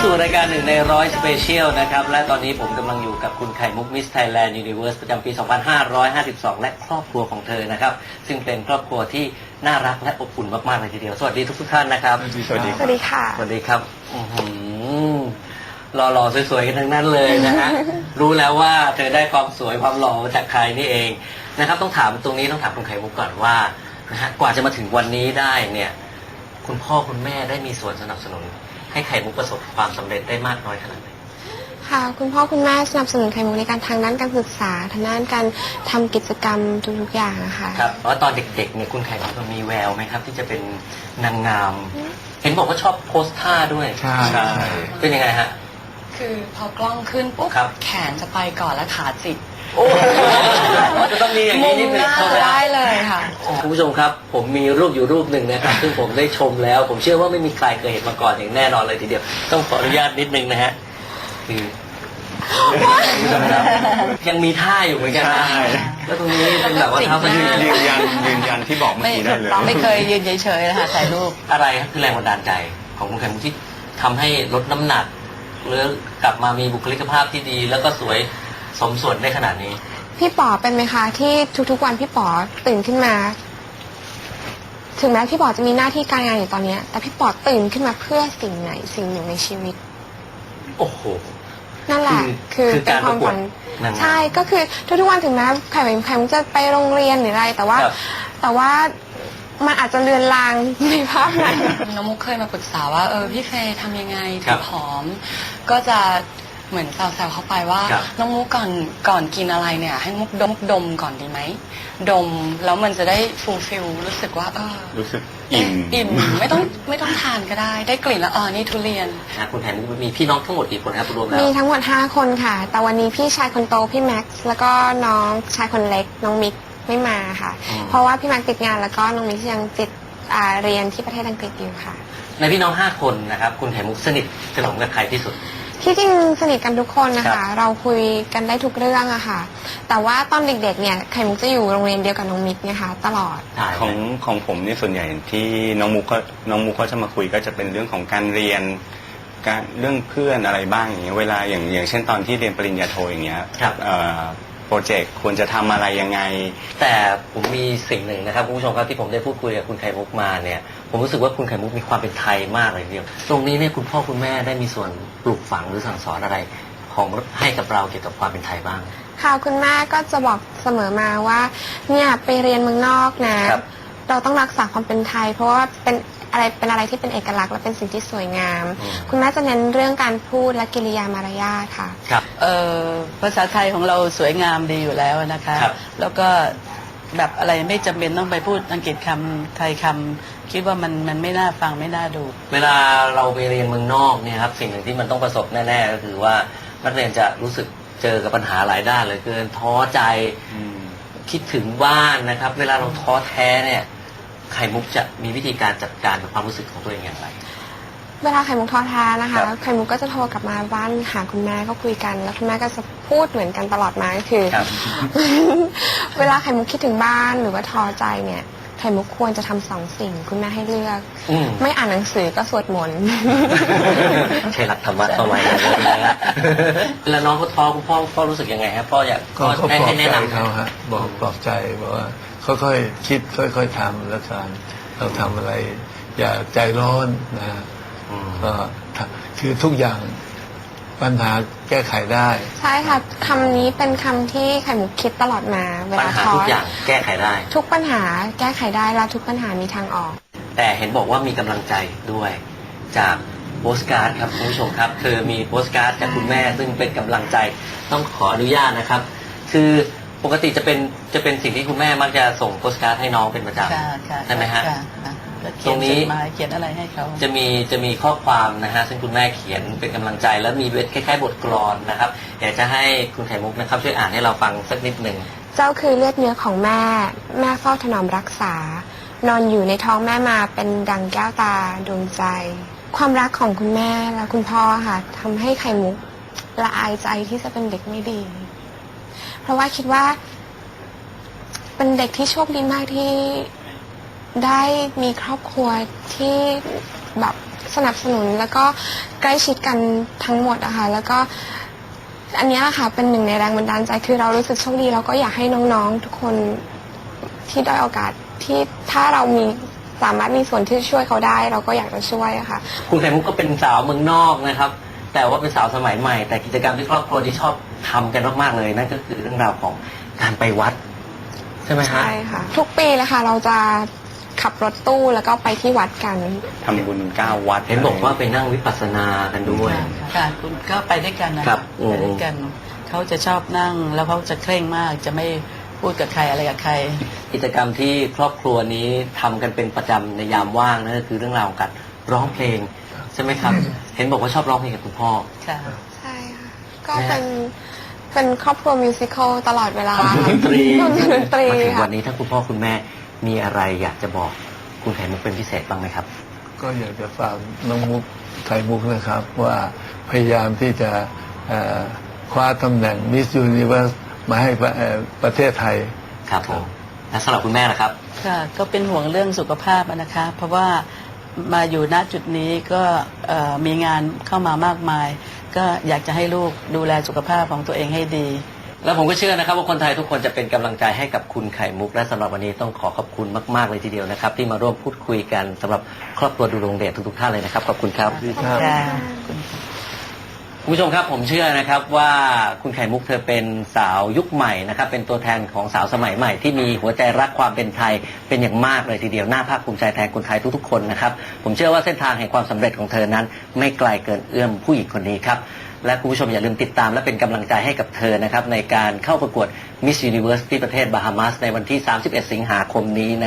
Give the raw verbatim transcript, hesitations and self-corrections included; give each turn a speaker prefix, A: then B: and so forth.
A: สู่รายการหนึ่งในร้อยสเปเชียลนะครับและตอนนี้ผมกำลังอยู่กับคุณไข่มุกมิสไทยแลนด์ยูนิเวอร์สประจำปี สองพันห้าร้อยห้าสิบสอง และครอบครัวของเธอนะครับซึ่งเป็นครอบครัวที่น่ารักและอบอุ่นมากๆเลยทีเดียวสวัสดีทุกท่านนะครับ
B: สวัสดี
C: สวัสดีค่ะ
A: สวัสดีครับหล่อๆสวยๆกันทั้งนั้นเลยนะฮะ รู้แล้วว่าเธอได้ความสวยความหล่อมาจากใครนี่เองนะครับต้องถามตรงนี้ต้องถามคุณไข่มุกก่อนว่านะฮะกว่าจะมาถึงวันนี้ได้เนี่ยคุณพ่อคุณแม่ได้มีส่วนสนับสนุนให้ไข่มุกประสบความสำเร็จได้มากน้อยขนาดไหน
C: ค่ะคุณพ่อคุณแม่สนับสนุนไข่มุกในการทางด้านการศึกษาทางด้านการทำกิจกรรมทุกๆอย่างนะคะ
A: ครับแล้วตอนเด็กๆเนี่ยคุณไข่มุกมีแววไหมครับที่จะเป็นนางงามเห็นบอกว่าชอบโพสท่าด้วย
B: ใช่
A: เป็นยังไงฮะ
D: คือพอกล้องขึ้นปุ๊บแขนจะไปก่อนแล้วขาจิก
A: โอ้จะต้องมีอย่างนี้นิดนึง
D: ได้เลยค่ะ
A: คุณผู้ชมครับผมมีรูปอยู่รูปหนึ่งนะครับซึ่งผมได้ชมแล้วผมเชื่อว่าไม่มีใครเคยเห็นมาก่อนอย่างแน่นอนเลยทีเดียวต้องขออนุญาตนิดนึงนะฮะคือยังมีท่าอยู่เหมือนกันนะแล้วตรงนี้เป็นแบบว่าเท้ายืน
B: ยืนยันยืนยันที่บอกเมื่อกี้ได้เลย
D: ไม่เคยยืนเฉยๆนะคะถ่ายรูป
A: อะไรครับคือแรงบันดาลใจของคุณไข่มุกที่ทำให้ลดน้ำหนักหรือกลับมามีบุคลิกภาพที่ดีแล้วก็สวยสมส่วนได้ขนาดนี้
C: พี่ป๋อเป็นไหมคะที่ทุกๆวันพี่ป๋อตื่นขึ้นมาถึงแม้พี่ป๋อจะมีหน้าที่การงานอยู่ตอนนี้แต่พี่ป๋อตื่นขึ้นมาเพื่อสิ่งไหนสิ่งหนึ่งในชีวิต
A: โอ้โห
C: นั่นแหละคือเป็นความฝันใช่ก็คือทุกๆวันถึงแม้ไข่ไข่มุกจะไปโรงเรียนหรืออะไรแต่ว่าแต่ว่ามันอาจจะเลือนลางในภาพนั้น
D: น้องมุกเคยมาปรึกษาว่าเออพี่เฟย์ทำยังไงถึงผอมก็จะเหมือนแซวๆเข้าไปว่าน้องมุกก่อนก่อนกินอะไรเนี่ยให้มุกดมดมก่อนดีไหมดมแล้วมันจะได้ฟูลฟิลรู้สึกว่าเออ
B: รู้สึกอิ่ม
D: อิ่มไม่ต้องไม่ต้องทานก็ได้ได้กลิ่นแล้วอ๋อนี่ทุเรียน
A: คุณแผนมีพี่น้องทั้งหมดกี่คนครับรวมแล้ว
C: มีทั้งหมดห้าคนค่ะแต่วันนี้พี่ชายคนโตพี่แม็กซ์แล้วก็น้องชายคนเล็กน้องมิกไม่มาค่ะเพราะว่าพี่แม็กซ์ติดงานแล้วก็น้องมิกยังติดเรียนที่ประเทศอังกฤษอยู่ค่ะ
A: ในพี่น้องห้าคนนะครับคุณไข่มุกสนิทสนมกับใครที่สุด
C: ที่จริงสนิทกันทุกคนนะคะเราคุยกันได้ทุกเรื่องอะค่ะแต่ว่าตอนเด็กๆเนี่ยไข่มุกจะอยู่โรงเรียนเดียวกับน้องมิกนะคะตลอด
B: ของของผมนี่ส่วนใหญ่ที่น้องมุกก็น้องมุกก็จะมาคุยก็จะเป็นเรื่องของการเรียนการเรื่องเพื่อนอะไรบ้างอย่างเงี้ยเวลาอย่างอย่างเช่นตอนที่เรียนปริญญาโทอย่างเงี้ยโปรเจกต์ควรจะทำอะไรยังไง
A: แต่ผมมีสิ่งหนึ่งนะครับคุณผู้ชมครับที่ผมได้พูดคุยกับคุณไข่มุกมาเนี่ยผมรู้สึกว่าคุณไข่มุกมีความเป็นไทยมากเลยทีเดียวตรงนี้เนี่ยคุณพ่อคุณแม่ได้มีส่วนปลูกฝังหรือสั่งสอนอะไรของให้กับเราเกี่ยวกับความเป็นไทยบ้าง
C: ค่ะคุณแม่ก็จะบอกเสมอมาว่าเนี่ยไปเรียนเมืองนอกนะเราต้องรักษาความเป็นไทยเพราะว่าเป็นอะไรเป็นอะไรที่เป็นเอกลักษณ์และเป็นสิ่งที่สวยงามคุณแม่จะเน้นเรื่องการพูดและกิริยามารยาทค่ะ
D: ครับเอ่อภาษาไทยของเราสวยงามดีอยู่แล้วนะคะแล้วก็แบบอะไรไม่จำเป็นต้องไปพูดอังกฤษคำไทยคำคิดว่ามันมันไม่น่าฟังไม่น่าดู
A: เวลาเราไปเรียนเมืองนอกเนี่ยครับสิ่งหนึ่งที่มันต้องประสบแน่ๆก็คือว่านักเรียนจะรู้สึกเจอกับปัญหาหลายด้านเลยเกินท้อใจคิดถึงบ้านนะครับเวลาเราท้อแท้เนี่ยไข่มุกจะมีวิธีการจัดการกับความรู้สึกของตัวเองอย่างไร
C: เวลาไข่มุกท้อแท้นะคะไข่มุกก็จะโทรกลับมาบ้านหาคุณแม่ก็คุยกันแล้วคุณแม่ก็จะพูดเหมือนกันตลอดมาก็คือเวลาไข่มุกคิดถึงบ้านหรือว่าท้อใจเนี่ยไข่มุกควรจะทำสองสิ่งคุณแม่ให้เลือกไม่อ่านหนังสือก็สวดมนต์
A: ใช่หลักธรรมะเข้าไว้นะเวลาน้องเขาท้อคุณพ่อพ่อรู้สึกยังไงครับพ่ออยาก
E: ก็ให้แนะนำเขาฮะบอกปลอบใจบอกว่าค่อยๆคิดค่อยๆทำแล้วกันเราทำอะไรอย่าใจร้อนนะก็คือทุกอย่างปัญหาแก้ไขได้
C: ใช่ค่ะคำนี้เป็นคำที่ไข่มุกคิดตลอดมา
A: เวลาท้อทุกอย่างแก้ไขได้
C: ทุกปัญหาแก้ไขได้และทุกปัญหามีทางออก
A: แต่เห็นบอกว่ามีกำลังใจด้วยจากโปสการ์ดครับคุณผู้ชมครับคือมีโปสการ์ดจากคุณแม่ซึ่งเป็นกำลังใจต้องขออนุญาตนะครับคือปกติจะเป็นจะเป็นสิ่งที่คุณแม่มักจะส่งโปสการ์ดให้น้องเป็นประจำใช่ไหมฮะตรงนี้
D: เขียนอะไรให้เขา
A: จะมีจะมีข้อความนะฮะซึ่งคุณแม่เขียนเป็นกำลังใจแล้วมีคล้ายๆบทกลอนนะครับอยากจะให้คุณไข่มุกนะครับช่วยอ่านให้เราฟังสักนิดหนึ่ง
C: เจ้าคือเลือดเนื้อของแม่แม่เฝ้าถนอมรักษานอนอยู่ในท้องแม่มาเป็นดังแก้วตาดวงใจความรักของคุณแม่และคุณพ่อค่ะทำให้ไข่มุกละอายใจที่จะเป็นเด็กไม่ดีเพราะว่าคิดว่าเป็นเด็กที่โชคดีมากที่ได้มีครอบครัวที่แบบสนับสนุนแล้วก็ใกล้ชิดกันทั้งหมดอะค่ะแล้วก็อันเนี้ยค่ะเป็นหนึ่งในแรงบันดาลใจคือเรารู้สึกโชคดีแล้วก็อยากให้น้องๆทุกคนที่ได้อยโอกาสที่ถ้าเรามีสามารถมีส่วนที่ช่วยเขาได้เราก็อยากจะช่วยอะค่ะ
A: คุณไข่มุกก็เป็นสาวเมืองนอกนะครับ แต่ว่าเป็นสาวสมัยใหม่ แต่กิจกรรมที่ครอบครัวที่ชอบทำกันมากๆเลยนั่นก็คือเรื่องราวของการไปวัดใช่ไหมฮะ
C: ใช่ค่ะ ทุกปีเลยค่ะเราจะขับรถตู้แล้วก็ไปที่วัดกัน
B: ทำบุญเก้าวัด
A: เห็นบอกว่าไปนั่งวิปัสสนากันด้วย
F: ค่ะคุณก็ไปด้วยกันนะครับ
A: อืม
F: ไปด้วยกันเขาจะชอบนั่งแล้วเขาจะเคร่งมากจะไม่พูดกับใครอะไรกับใคร
A: กิจกรรมที่ครอบครัวนี้ทำกันเป็นประจำในยามว่างนั่นก็คือเรื่องราวของการร้องเพลงใช่ไหมครับ เห็นบอกว่าชอบร้องเพลงกับคุณพ่อ
F: ค่ะ
C: ใช่ค่ะก็เป็นเป็นครอบครัวมิวสิควลตลอดเวลา
A: ดนตรี
C: ดนตรี
A: มาถึง
C: ค่ะ
A: วันนี้ถ้าคุณพ่อคุณแม่มีอะไรอยากจะบอกคุณไข่มุกเป็นพิเศษบ้างไหมครับ
E: ก็อยากจะฝากน้องมุกไข่มุกนะครับ ว่าพยายามที่จะเอ่อคว้าตำแหน่งมิสยูนิเวอร์สมาให้ประเอ่อประเทศไทย
A: ครับผมและสำหรับคุณแม่ล่ะครับ
F: ค่ะก็เป็นห่วงเรื่องสุขภาพอะนะคะ เพราะว่ามาอยู่ณจุดนี้ก็เอ่อมีงานเข้ามามากมาย ก็อยากจะให้ลูกดูแลสุขภาพของตัวเองให้ดี
A: แล้วผมก็เชื่อนะครับว่าคนไทยทุกคนจะเป็นกำลังใจให้กับคุณไข่มุกและสำหรับวันนี้ต้องขอขอบคุณมากๆเลยทีเดียวนะครับ ที่มาร่วมพูดคุยกันสำหรับครอบครัวดูโรงเดชทุกๆท่านเลยนะครับขอบคุณครับ
E: ครับ
F: ค่ะ
A: คุณผู้ชมครับผมเชื่อนะครับว่าคุณไข่มุกเธอเป็นสาวยุคใหม่นะครับเป็นตัวแทนของสาวสมัยใหม่ที่มีหัวใจรักความเป็นไทยเป็นอย่างมากเลยทีเดียวน่าภาคภูมิใจแทนคนไทยทุกๆคนนะครับผมเชื่อว่าเส้นทางแห่งความสำเร็จของเธอนั้นไม่ไกลเกินเอื้อมผู้หญิงคนนี้ครับและคุณผู้ชมอย่าลืมติดตามและเป็นกำลังใจให้กับเธอนะครับในการเข้าประกวด Miss Universe ที่ประเทศบาฮามาสในวันที่สามสิบเอ็ดสิงหาคมนี้